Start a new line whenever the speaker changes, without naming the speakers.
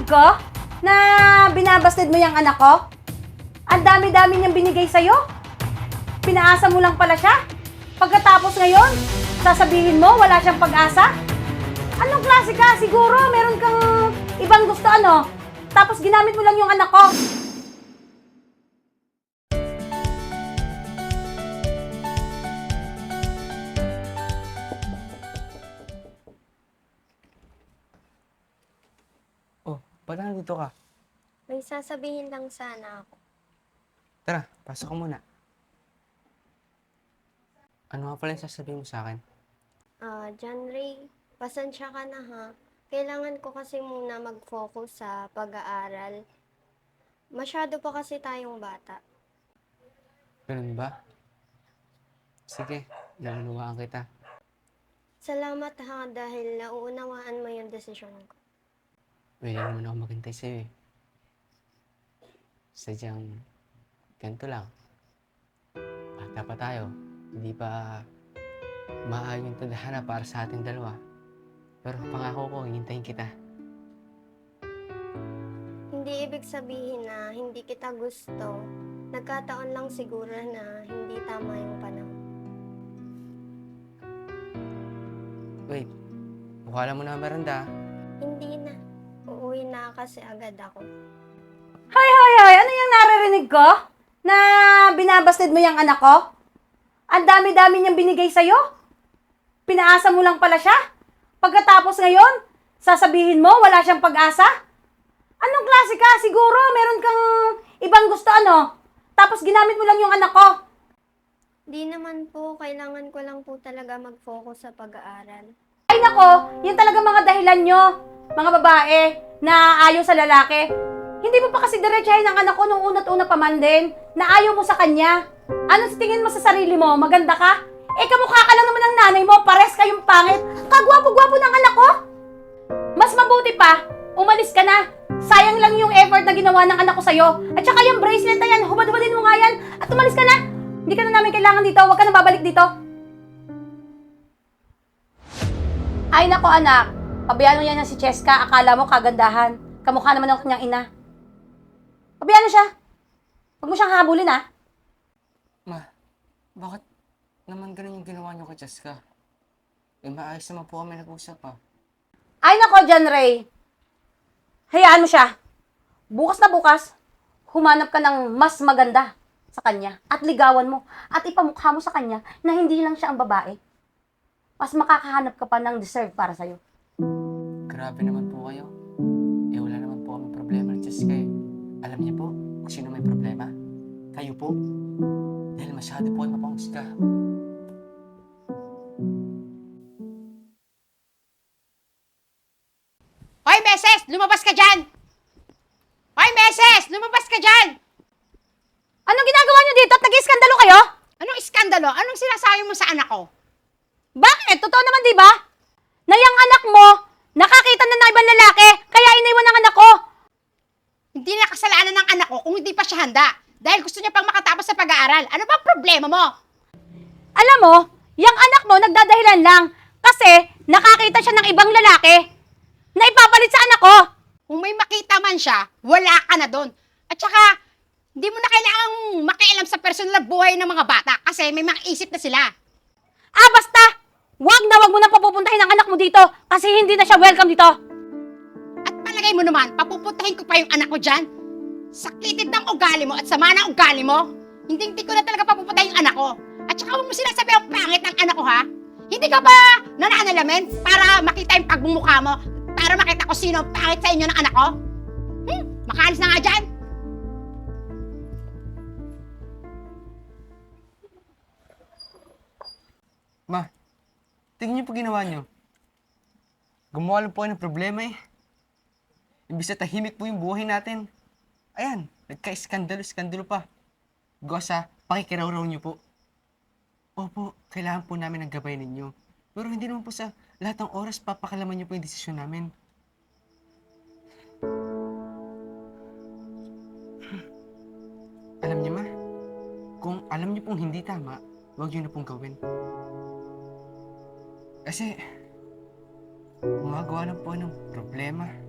ko na binabasted mo yung anak ko? Ang dami-dami niyang binigay sa'yo? Pinaasa mo lang pala siya? Pagkatapos ngayon, sasabihin mo wala siyang pag-asa? Anong klase ka? Siguro meron kang ibang gusto ano? Tapos ginamit mo lang yung anak ko.
Oh, ba't nandito ka?
May sasabihin lang sana ako.
Tara, pasok ka muna. Ano nga pala yung sasabihin mo sa akin?
John Ray, pasensya ka na ha. Kailangan ko kasi muna mag-focus sa pag-aaral. Masyado pa kasi tayong bata.
Ganun ba? Sige, naunawaan kita.
Salamat ha dahil nauunawaan mo yung desisyon ko.
Pwede naman ako maghintay sa'yo eh. Sadyang, ganito lang. Bata pa tayo. Hindi pa maaayos yung tadhana para sa ating dalawa. Pero pangako ko, hihintayin kita.
Hindi ibig sabihin na hindi kita gusto. Nagkataon lang siguro na hindi tama yung panahon.
Wait, mukha lang mo na merenda.
Hindi na. Uuwi na kasi agad ako.
Hoy! Ano yung naririnig ko? Na binabasted mo yung anak ko? Ang dami-dami niyang binigay sa'yo? Pinaasa mo lang pala siya? Pagkatapos ngayon, sasabihin mo wala siyang pag-asa? Anong klase ka? Siguro meron kang ibang gusto ano? Tapos ginamit mo lang yung anak ko.
Di naman po, kailangan ko lang po talaga mag-focus sa pag-aaral.
Ay nako, yun talaga mga dahilan nyo, mga babae, na ayaw sa lalaki. Hindi mo pa kasi diretsahin ang anak ko nung una't-una pa man din, na ayaw mo sa kanya. Ano sa tingin mo sa sarili mo? Maganda ka? Eh, kamukha ka lang naman ng nanay mo, pares kayong pangit. Kagwapo-gwapo ng anak ko. Mas mabuti pa, umalis ka na. Sayang lang yung effort na ginawa ng anak ko sa'yo. At saka yung bracelet na yan, hubad-hubadin mo nga yan. At umalis ka na. Hindi ka na namin kailangan dito, huwag ka na babalik dito. Ay nako anak, pabayaan mo yan si Cheska, akala mo kagandahan. Kamukha naman ng kanyang ina. Pabayaan mo siya. Huwag mo siyang habulin ha.
Ma, bakit naman ganun yung ginawa niyo kay Jessica? Eh, maayos naman po kami nag-usap pa.
Ay nako John Ray. Hayaan mo siya. Bukas na bukas, humanap ka ng mas maganda sa kanya at ligawan mo at ipamukha mo sa kanya na hindi lang siya ang babae. Mas makakahanap ka pa ng deserve para sa'yo.
Grabe naman po kayo. Eh, wala naman po kami problema ng Jessica eh. Alam niyo po kung sino may problema? Kayo po. Dahil masyado po kayo mapangusga.
Hoy, Meses! Lumabas ka dyan! Hoy, Meses! Lumabas ka dyan!
Anong ginagawa niyo dito at nag-iskandalo kayo?
Anong iskandalo? Anong sinasabi mo sa anak ko?
Bakit? Totoo naman di ba? Na yung anak mo, nakakita na ng ibang lalaki, kaya iniwan ng anak ko.
Hindi na kasalanan ng anak ko kung hindi pa siya handa. Dahil gusto niya pang makatapos sa pag-aaral. Ano ba problema mo?
Alam mo, yung anak mo nagdadahilan lang kasi nakakita siya ng ibang lalaki na ipapalit sa anak ko.
Kung may makita man siya, wala ka na doon. At saka, hindi mo na kailangang makialam sa personal na buhay ng mga bata kasi may mga isip na sila.
Basta! Wag mo na papupuntahin ang anak mo dito kasi hindi na siya welcome dito.
At palagay mo naman, papupuntahin ko pa yung anak ko dyan. Saklitid ng ugali mo at sama ng ugali mo. Hindi ko na talaga papupuntahin yung anak ko. At saka huwag mo sinasabi ang pangit ng anak ko, ha? Hindi ka ba nananalamin para makita yung pagbumukha mo? Para makita ko sino ang pangit sa inyo ng anak ko? Makaalis na nga dyan.
Ma, tingnan niyo po ginawa niyo. Gumawa lang po kayo ng problema eh. Imbis na tahimik po yung buhay natin. Ayan, nagka-iskandalo pa. Gawa sa pakikiraw-raw niyo po. Opo, kailangan po namin ng gabay ninyo. Pero hindi naman po sa lahat ng oras papakalaman niyo po yung desisyon namin. Alam niyo ma, kung alam niyo pong hindi tama, huwag niyo na pong gawin. Kasi, gumagawa lang po ng problema.